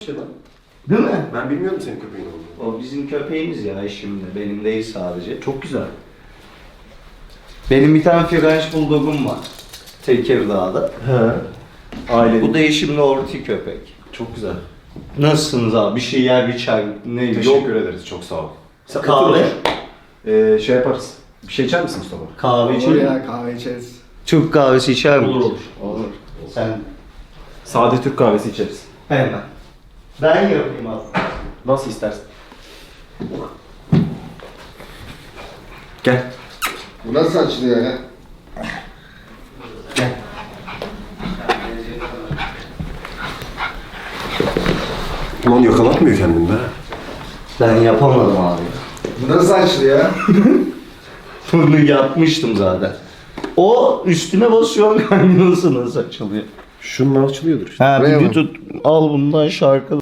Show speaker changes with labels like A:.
A: Değil mi?
B: Ben bilmiyordum senin köpeğin olduğunu.
A: O bizim köpeğimiz ya şimdi. Benim değil sadece.
B: Çok güzel.
A: Benim bir tane French Bulldog'um var. Tekirdağ'da.
B: He. Aile.
A: Bu değişimli orti köpek.
B: Çok güzel.
A: Nasılsınız abi? Bir şey yer, bir çay, ne yok.
B: Teşekkür ederiz. Çok sağ ol. Sen
A: Kahve?
B: otur, otur. Şey yaparız. Bir şey içer misin Mustafa?
A: Kahve
C: Olur
A: için
C: ya, kahve içeriz.
A: Türk kahvesi içer misin?
B: Olur.
A: Sen
B: Sade Türk kahvesi içeriz.
A: hemen. Ben yapayım abi.
B: Nasıl istersen. Gel.
C: Bu nasıl açılıyor ya?
B: Ulan yakalatmıyor kendini be.
A: Ben yapamadım abi.
C: Bu nasıl açılıyor ya?
A: Bunu yapmıştım zaten. O üstüne basıyor, kaynıyorsa nasıl açılıyor?
B: Şununla açılıyordur işte.
A: Ha
C: Buraya
A: bir
C: mı?
A: tut, al bundan şarkı